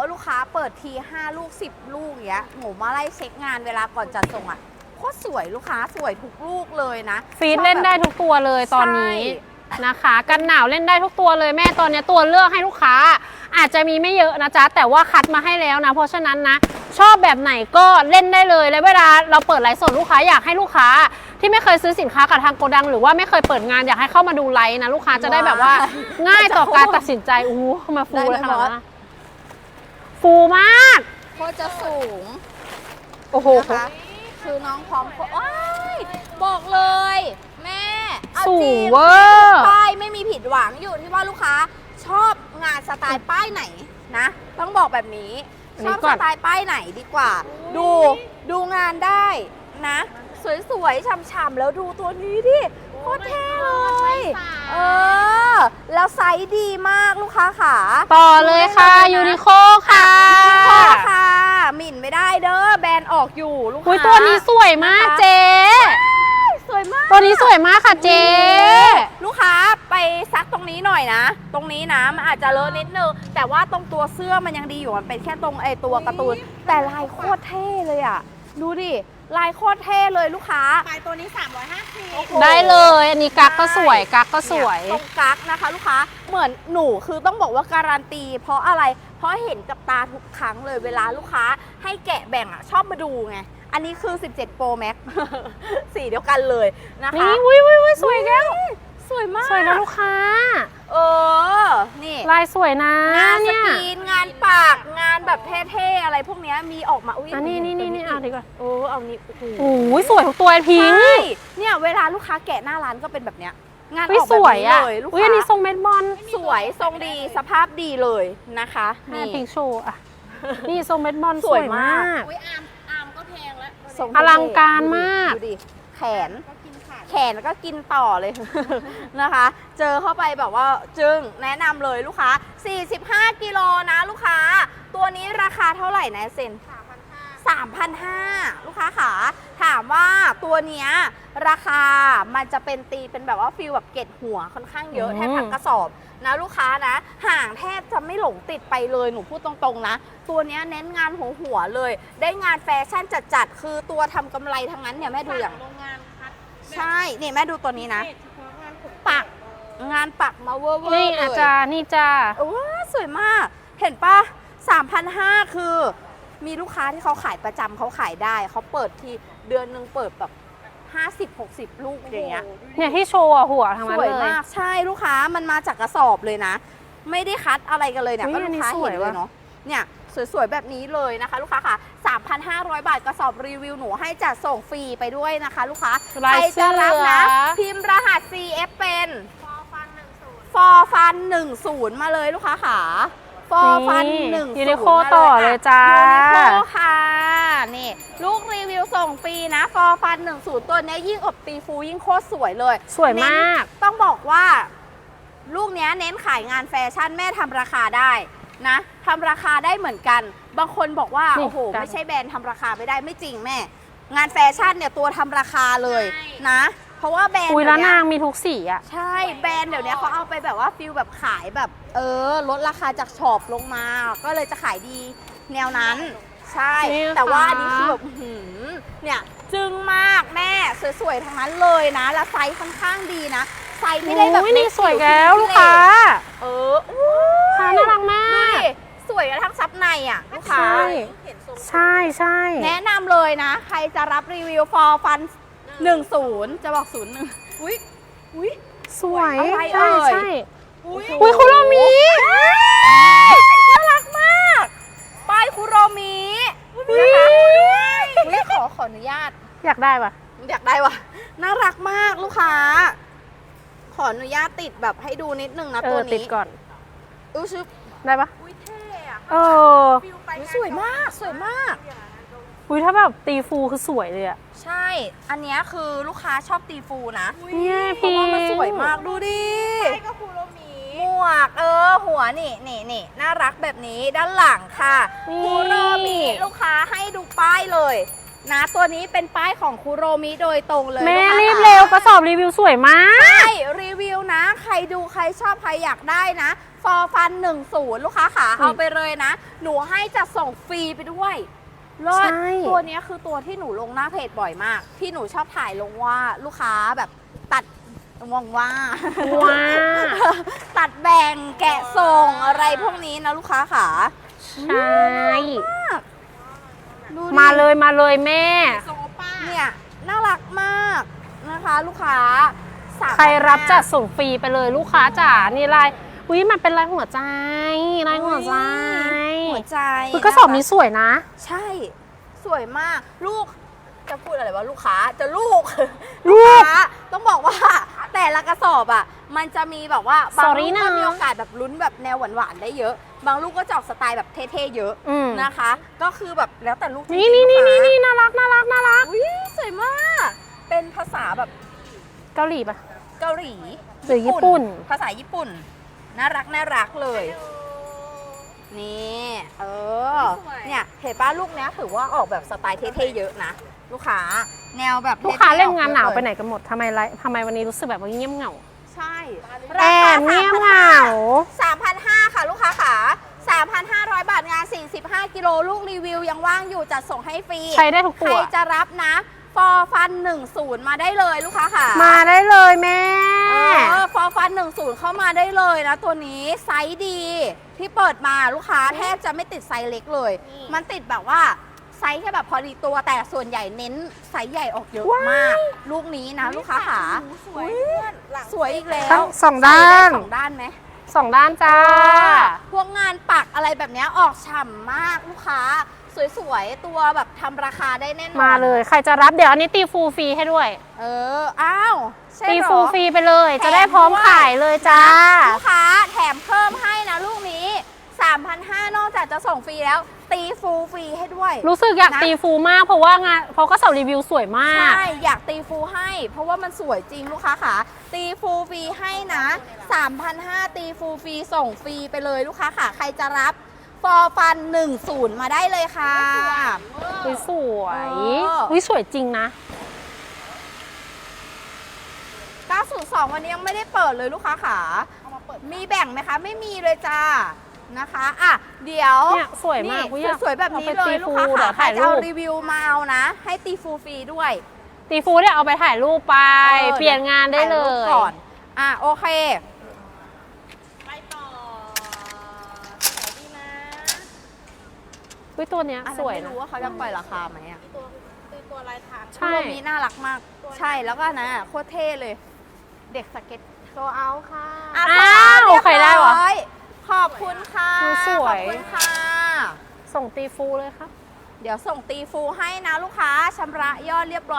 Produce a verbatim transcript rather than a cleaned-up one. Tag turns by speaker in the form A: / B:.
A: ว่าลูกค้าเปิดทีห้าลูกสิบลูกอย่างเงี้ยหนูมาไล่เช็คงานเวลาก่อนจัดส่งอ่ะโคตรสวยลูกค้าสวยทุกลูกเลยนะ
B: ฟีดเล่นได้ทุกตัวเลยตอนนี้นะคะกันหนาวเล่นได้ทุกตัวเลยแม่ตอนนี้ตัวเลือกให้ลูกค้าอาจจะมีไม่เยอะนะจ๊ะแต่ว่าคัดมาให้แล้วนะเพราะฉะนั้นนะชอบแบบไหนก็เล่นได้เลยและเวลาเราเปิดไลฟ์สดลูกค้าอยากให้ลูกค้าที่ไม่เคยซื้อสินค้ากับทางโกดังหรือว่าไม่เคยเปิดงานอยากให้เข้ามาดูไลฟ์นะลูกค้าจะได้แบบว่าง่ายต่อการตัดสินใจอู้มาฟูเลยค่ะฟูมาก
A: โคตรจะสูง
B: โอ้โห
A: คือน้องพร้อมว้ายบอกเลยแม่
B: สูงเวอร์
A: ป้ายไม่มีผิดหวังอยู่ที่ว่าลูกค้าชอบงานสไตล์ป้ายไหนนะต้องบอกแบบนี้ชอบสไตล์ป้ายไหนดีกว่าดูดูงานได้นะสวยๆฉ่ำๆแล้วดูตัวนี้ดิโคตรเท่เลยเออแล้วไซส์ดีมากลูกค้าขา
B: ต่อเลยค่ะยูนิโคค่ะ
A: ยูนิโคค่ะหมิ่นไม่ได้เด้อแบรนด์ออกอยู่ลูกค้า
B: ตัวนี้สวยมากเจ๊
A: สวยมาก
B: ตัวนี้สวยมากค่ะเจ๊
A: ลูกค้าไปซักตรงนี้หน่อยนะตรงนี้นะมันอาจจะเลอะนิดนึงแต่ว่าตรงตัวเสื้อมันยังดีอยู่มันเป็นแค่ตรงไอตัวการ์ตูนแต่ลายโคตรเท่เลยอ่ะดูดิลายโคตรเท่เลยลูกค้า
C: ขายตัวนี้สามร้อยห้าสิบ
B: ได้เลยอันนี้กั๊กก็สวยกั๊กก็สวย
A: ตรงกั๊กนะคะลูกค้าเหมือนหนูคือต้องบอกว่าการันตีเพราะอะไรเพราะเห็นกับตาทุกครั้งเลยเวลาลูกค้าให้แกะแบ่งอ่ะชอบมาดูไงอันนี้คือสิบเจ็ด Pro Max สีเดียวกันเลยนะคะ
B: นี่อุ้ยอุ้ยอุ้ยสวยแก้ว
A: สวยมาก
B: สวยนะลูกค้า
A: เออนี่
B: ลายสวยนะ
A: งานสกรีนงานปากงานแบบเท่ๆอะไรพวกนี้มีออกมาอุ้ย
B: นี่นี่นี่นี่เอาดีกว่า
A: โอ้เอานี่
B: โอ้ยสวยทุกตัวพิง
A: เนี่ยเวลาลูกค้าแกะหน้าร้านก็เป็นแบบเนี้ยงานออก
B: แบบ
A: นี้เลยลูกค้า
B: อุ้ยอันนี้ทรงเม็ดบอล
A: สวยทรงดีสภาพดีเลยนะคะ
B: นี่พิงโชว์อ่ะนี่ทรงเม็ดบอลสวยมาก
C: อุ้ยอาร์มอาร์มก็แพงแล้ว
B: อลังการมาก
A: ดูดิแขนแขนก็กินต่อเลยนะคะเจอเข้าไปแบบว่าจึงแนะนำเลยลูกค้าสี่สิบห้ากิโลนะลูกค้าตัวนี้ราคาเท่าไหร่นะเซนสามพันห้าลูกค้าขาถามว่าตัวเนี้ยราคามันจะเป็นตีเป็นแบบว่าฟิลแบบเกล็ดหัวค่อนข้างเยอะแทบทั้งกระสอบนะลูกค้านะห่างแทบจะไม่หลงติดไปเลยหนูพูดตรงๆนะตัวนี้เน้นงานหัวหัวเลยได้งานแฟชั่นจัดๆคือตัวทำกำไรทั้งนั้นเนี่ยแม่ดูอย่างใช่นี่แม่ดูตัวนี้นะปักงานปักมาเวอร์ๆเลย
B: นี่อาจารย์นี่จ้า
A: โอ้สวยมากเห็นปะ สามพันห้าร้อย คือมีลูกค้าที่เขาขายประจำเขาขายได้เขาเปิดทีเดือนหนึ่งเปิดแบบห้าสิบ หกสิบลูกอย่างเงี้ย
B: เนี่ยที่โชว์หัวทั้งนั้นเลย
A: สวยมากใช่ลูกค้ามันมาจากกระสอบเลยนะไม่ได้คัดอะไรกันเลยเนี่ยก็ลูกค้าเห็นเลยเนาะเนี่ยสวยๆแบบนี้เลยนะคะลูกค้าค่ะ สามพันห้าร้อย บาทกระสอบรีวิวหนูให้จัดส่งฟรีไปด้วยนะคะลูกค้าใครจะรับนะพิมพ์รหัส ซี เอฟ เป็นฟอร์ฟันหนึ่งศูนย์มาเลยลูกค้าค่ะฟอร์ฟันหนึ่งศูนย์
B: ยูนิโคต่อเลยจ้า
A: ยูนิโคค่ะนี่ลูกรีวิวส่งฟรีนะฟอร์ฟันหนึ่งศูนย์ตัวนี้ยิ่งอบตีฟูยิ่งโคตรสวยเลย
B: สวยมาก
A: ต้องบอกว่าลูกนี้เน้นขายงานแฟชั่นแม่ทำราคาได้นะทำราคาได้เหมือนกันบางคนบอกว่าโอ้โหไม่ใช่แบรนด์ทำราคาไม่ได้ไม่จริงแม่งานแฟชั่นเนี่ยตัวทำราคาเลยนะเพราะว่าแบรนด์
B: อุ้ยแล้วนางมีทุกสีอ่ะ
A: ใช่แบรนด์เดี๋ยวนี้เขาเอาไปแบบว่าฟิลแบบขายแบบเออลดราคาจากช็อปลงมาก็เลยจะขายดีแนวนั้นใช่แต่ว่าอันนี้คือแบบเนี่ยจึงมากแม่สวยๆทั้งนั้นเลยนะแล้วไซส์ค่อนข้างดีนะไซส์ไม่ได้แบบ
B: นี่สวยแล้วลูกค้า
A: เออ
B: ค่ะน่ารักมาก
A: สวยกระทั่งซับในอ่ะลูกค้า
B: ใช่ใช่
A: แนะนำเลยนะใครจะรับรีวิวฟอร์ฟันหนึ่งศูนย์จะบอกศูนย์หนึ่งอุ้ยอุ้ย
B: สวย
A: อะไรเอ่ย
B: ใช่อุ้ยคุโรมิ
A: น่ารักมากป้ายคุโรมินะคะอุ้ยขอขออนุญาต
B: อยากได้ปะ
A: อยากได้วะน่ารักมากลูกค้าขออนุญาตติดแบบให้ดูนิดนึงนะตัวนี้
B: ติดก่อน
A: อู้ชึบ
B: ได้ปะ
A: อุ้ยเท่อะ
B: เออ
A: สวยมากสวยมาก
B: อุ้ยถ้าแบบตีฟูคือสวยเลยอะ
A: ใช่อันนี้คือลูกค้าชอบตีฟูนะ
B: เนี่ย
A: พี่เพราะว่ามันสวยมากดูดิ
C: ใช่ก็คูโรมิ
A: หมวกเออหัวนี่นี่นี่น่ารักแบบนี้ด้านหลังค่ะคูโรมิลูกค้าให้ดูป้ายเลยนะตัวนี้เป็นป้ายของคูโรมิโดยตรงเลย
B: แม่รีบเร็วกระสอบรีวิวสวยมาก
A: ใช่รีวิวนะใครดูใครชอบใครอยากได้นะฟอร์ฟันหนึ่งศูนย์ลูกค้าขา
B: อืม
A: เอาไปเลยนะ หนูให้จะส่งฟรีไปด้วยเลิศ
B: ใช่
A: ตัวเนี้ยคือตัวที่หนูลงหน้าเพจบ่อยมาก ที่หนูชอบถ่ายลงว่าลูกค้าแบบตัดมองว่า
B: ว้า
A: ตัดแบ่งแกะส่งอะไรพวกนี้นะลูกค้าขา
B: ใช่
A: ดูดิ
B: มาเลยมาเลยแม่
C: โซป้า
A: เนี่ยน่ารักมากนะคะลูกค้าสามพันห้า
B: ใครรับจัดส่งฟรีไปเลยลูกค้าจ๋านี่ลายอุ้ยมันเป็นลายหัวใจลายหัวใจ
A: หัวใจ
B: อุ๊ยกระสอบนี้สวยนะ
A: ใช่ สวยมากลูกจะพูดอะไรวะลูกค้าจะลูก
B: ลูก
A: ค้าต้องบอกว่าแต่ละกระสอบอ่ะมันจะมีแบบว่าบาง
B: Sorry
A: ลูกก็
B: นะ
A: มีโอกาสแบบลุ้นแบบแนวหวานๆได้เยอะ บางลูกก็จะออกสไตล์แบบเท่ๆเยอะ
B: อืม
A: นะคะ ก็คือแบบแล้วแต่ลูกจริงๆ
B: นี่นี่นี่
A: ลูก
B: นี่
A: ค้า
B: นี่น่ารักน่ารักน่ารัก
A: อุ๊ยสวยมาก เป็นภาษาแบบ
B: เกาหลีปะ
A: เกาหลี
B: หรือญี่ปุ่น
A: ภาษาญี่ปุ่น น่ารักน่ารักเลย นี่เออ
C: สวย
A: เนี่ยเห็นป้าลูกเนี้ยถือว่าออกแบบสไตล์เท่ๆเยอะนะ ลูกค้าแนวแบบ
B: ลูกค้า
A: ท่ๆ
B: เล่นงานหนาว
A: ออก
B: ไป
A: เยอะ
B: ไหนกันหมดทำไมไรทำไมวันนี้รู้สึกแบบว่าเงียบเหงา
A: ใช่
B: แอบเงียบเหงา
A: สามพันห้าค่ะลูกค้าขาสามพันห้าร้อยบาทงานสี่สิบห้ากิโลลูกรีวิวยังว่างอยู่จัดส่งให้ฟรี
B: ใช้ได้ทุก
A: ใค
B: ตั
A: ร
B: ว
A: จะรับนะฟอร์ฟันหนึ่งศูนย์มาได้เลยลูกค้าค่ะ
B: มาได้เลยแม่
A: เออฟอร์ฟันหนึ่งศูนย์เข้ามาได้เลยนะตัวนี้ไซส์ดีที่เปิดมาลูกค้าแทบจะไม่ติดไซส์เล็กเลย มันติดแบบว่าไซส์แค่แบบพอดีตัวแต่ส่วนใหญ่เน้นไซส์ใหญ่ออกเยอะมาก ลูกนี้นะลูกค้าขา
C: สวยเพื่อนหลัง
A: สวยอีกแล้
B: ทั้
A: ว
B: งสองด้าน
A: ใส่ไสองด้านไหม
B: สองด้านจ้า
A: พวกงานปักอะไรแบบเนี้ยออกฉ่ำมากลูกค้า สวยๆ ตัวแบบทำราคาได้แน่นอน
B: มาเลยใครจะรับเดี๋ยวอันนี้ตีฟูลฟรีให้ด้วย
A: เออ อ้าวใช่
B: ตี
A: เหรอ
B: ฟูลฟรีไปเลย
A: แถม
B: จะได้พร้อม
A: ด้วย
B: ขายเลยจ้า
A: ลูกค้าแถมเพิ่มให้นะลูกนี้ สามพันห้าร้อย นอกจากจะส่งฟรีแล้ว ตีฟูลฟรีให้ด้วย
B: รู้สึกอยาก
A: นะ
B: ตีฟูลมากเพราะว่างานเพราะก็สอบรีวิวสวยมาก
A: ใช่ อยากตีฟูลให้ เพราะว่ามันสวยจริงลูกค้าขาตีฟูลฟรีให้นะ สามพันห้าร้อย ตีฟูลฟรีส่งฟรีไปเลยลูกค้าขาใครจะรับฟอร์ฟันหนึ่งศูนย์มาได้เลยค่ะ
B: อุ๊ยสวย
A: เออ
B: อุ๊ยสวยจริงนะ
A: เก้าศูนย์สอง วันนี้ยังไม่ได้เปิดเลยลูกค้าขามีแบ่งไหมคะ ไม่มีเลยจ้านะคะอ่ะเดี๋ยว
B: เนี่ยสวยมากอุ๊ยอยาก
A: สวยๆแบบนี้
B: เอาไป
A: เล
B: ตี
A: ยลูกค้า
B: ฟูลเดี๋
A: ขา
B: ยว
A: ใคร
B: ถ่าย
A: จะเอา
B: รูป
A: รีวิวมาเอานะ ให้ตีฟูลฟรีด้วย
B: ตีฟูลเนี่ยเอาไปถ่ายรูปไป
A: ออ
B: เปลี่ยนงานได้เล
A: ถ่ารูป
B: ย
A: ก่อนอ่ะโอเค
C: ไปต่อสวยดีนะ
B: อุ๊ยตัวเนี้ย
A: อัน
B: ส
A: นั้น
B: วย
A: ไม่
B: นะ
A: รู้ว่าเขาจะปล่อยราคาไหมอ่ะ
C: ตัวตัวตัวลายทาง
B: ใช่
A: ตัวนี้น่ารักมาก ใช่แล้วก็นะโคตรเท่เลย เด็กสเก็ต
C: โซเอาค่ะ
A: อ่ะ
B: อ้าว
A: เรียบ
B: ใครได้วะ
A: ร้อยขอบคุณค่ะ
B: สวย
A: ขอบคุณค่ะ
B: ส่งตีฟูลเลยครับ
A: เดี๋ยวส่งตีฟูให้นะลูกค้าชำระยอดเรียบร้อย